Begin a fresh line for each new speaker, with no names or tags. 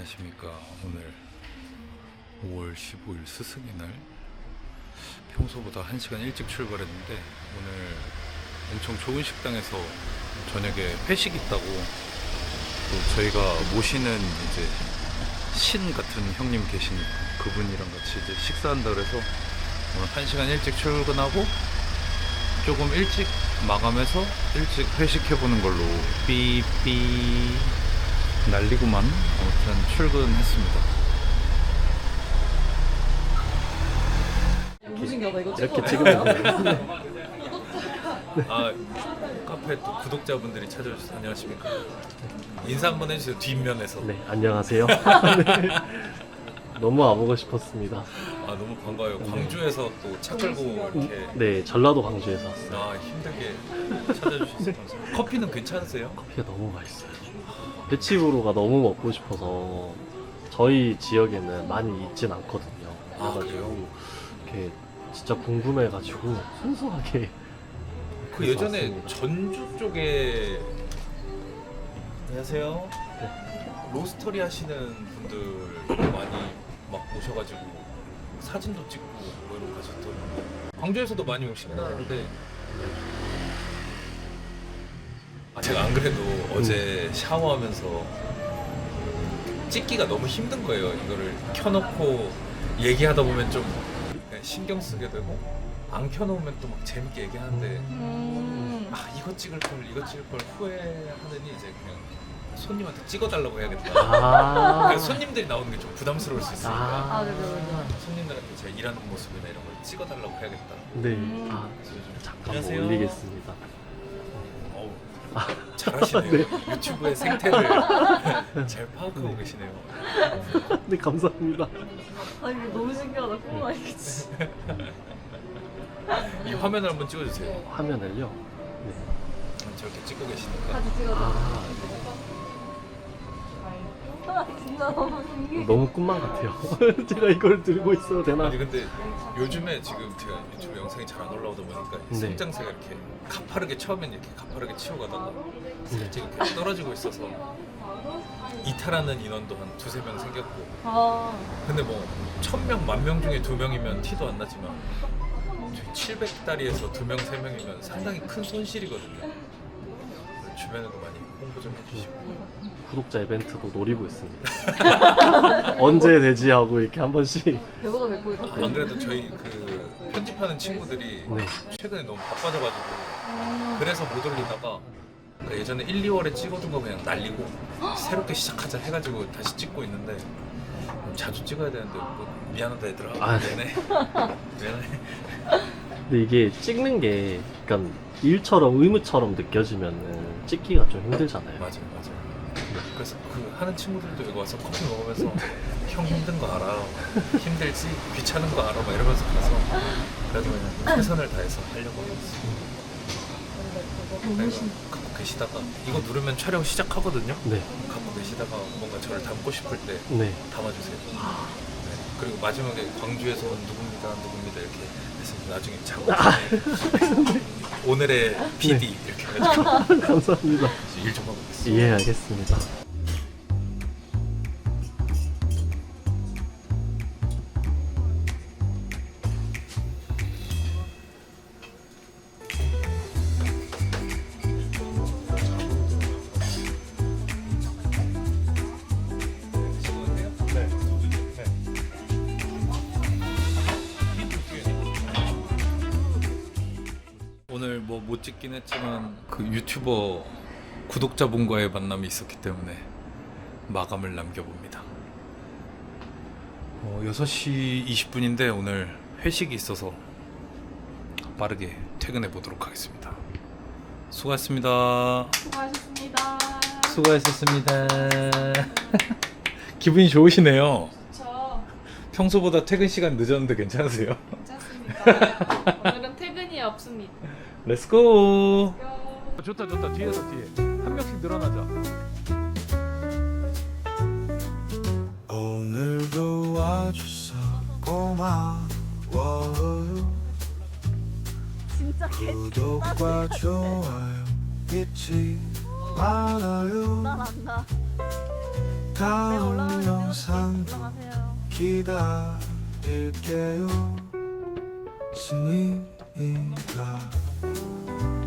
안녕하십니까. 오늘 5월 15일 스승의 날. 평소보다 1시간 일찍 출발했는데 오늘 엄청 좋은 식당에서 저녁에 회식 있다고, 또 저희가 모시는 이제 신 같은 형님 계신 그분이랑 같이 이제 식사한다 그래서 오늘 1시간 일찍 출근하고 조금 일찍 마감해서 일찍 회식해보는 걸로 삐삐 난리구만. 아무튼 출근했습니다.
이렇게 찍으면
아, 카페 또 구독자분들이 찾아주셔서 안녕하십니까. 인사 한번 해주세요. 뒷면에서.
네, 안녕하세요. 네. 너무 와보고 싶었습니다.
아, 너무 반가워요. 광주에서 또 차 끌고 이렇게.
네, 전라도 광주에서 왔어요.
아, 힘들게 찾아주셔서 감사합니다. 커피는 괜찮으세요?
커피가 너무 맛있어요. 배치부로가 너무 먹고 싶어서 저희 지역에는 많이 있진 않거든요.
아,
그래가지고
그래요?
이렇게 진짜 궁금해가지고 순수하게
그 예전에
왔습니다.
전주 쪽에, 안녕하세요. 로스터리 하시는 분들 많이 막 오셔가지고 사진도 찍고 뭐 이런 거 가셨더라고요. 광주에서도 많이 오시긴 하는데, 제가 안 그래도 어제 샤워하면서 찍기가 너무 힘든 거예요. 이거를 켜놓고 얘기하다 보면 좀 신경 쓰게 되고, 안 켜놓으면 또 막 재밌게 얘기하는데 아, 이거 찍을 걸 후회하느니 이제 그냥 손님한테 찍어달라고 해야겠다. 그러니까 손님들이 나오는 게 좀 부담스러울 수 있으니까 손님들한테 제가 일하는 모습이나 이런 걸 찍어달라고 해야겠다.
네,
그래서 좀
잠깐
안녕하세요.
올리겠습니다.
어우, 잘하시네요. 유튜브의 생태를 잘 파악하고 계시네요.
네, 감사합니다.
아 이게 너무 신기하다. 코로나 이겠지.
이 화면을 한번 찍어주세요.
화면을요. 네.
저렇게 찍고 계시니까.
같이 찍어줘.
아,
진짜 너무 신기해.
너무 꿈만 같아요. 제가 이걸 들고 있어도 되나?
아니 근데 요즘에 지금 제가 유튜브 영상이 잘 안 올라오다 보니까 이
네.
성장세가 이렇게 가파르게, 처음엔 이렇게 가파르게 치워가다가
네.
살짝 이렇게 떨어지고 있어서 이탈하는 인원도 한 2-3명 생겼고,
아
근데 뭐 1000명, 10,000명 중에 2명이면 티도 안 나지만 700다리에서 2명, 3명이면 상당히 큰 손실이거든요. 주변에도 많이 홍보 좀 해주시고.
구독자 이벤트도 노리고 있습니다. 언제 되지 하고 이렇게 한 번씩.
배보다 배꼽이 더
안 그래도 저희 그 편집하는 친구들이
네.
최근에 너무 바빠져가지고 그래서 못 올리다가 예전에 1, 2월에 찍어둔 거 그냥 날리고 새롭게 시작하자 해가지고 다시 찍고 있는데 자주 찍어야 되는데 뭐 미안하다 얘들아.
아,
미안해. 미안해.
근데 이게 찍는 게 약간 일처럼 의무처럼 느껴지면은 찍기가 좀 힘들잖아요.
맞아요. 그래서 그 하는 친구들도 여기 와서 커피 먹으면서 형 힘든 거 알아, 힘들지, 귀찮은 거 알아 막 이러면서 가서 그래도 그냥 최선을 다해서 하려고 하고 있어요. 갖고 계시다가 이거 누르면 촬영 시작하거든요.
네.
갖고 계시다가 뭔가 저를 담고 싶을 때
네.
담아주세요. 네. 그리고 마지막에 광주에서 온 누굽니다 이렇게 해서 나중에 작업에 오늘의 PD 이렇게 해가지고
감사합니다.
일 좀 하고 있어요.
예, 알겠습니다.
오늘 뭐 못 찍긴 했지만 그 유튜버 구독자분과의 만남이 있었기 때문에 마감을 남겨봅니다. 6시 20분인데 오늘 회식이 있어서 빠르게 퇴근해 보도록 하겠습니다. 수고하셨습니다.
수고하셨습니다.
수고하셨습니다. 기분이 좋으시네요.
저
평소보다 퇴근 시간 늦었는데 괜찮으세요?
괜찮습니다. 오늘은 퇴근이 없습니다.
렛츠고. 좋다 뒤에서 뒤에 한 명씩 늘어나자.
오늘도 와줘서 고마워요.
진짜
구독과 좋아요 잊지 말아요.
난안다.
다음 항상
들어가세요.
기다릴게요. 승희가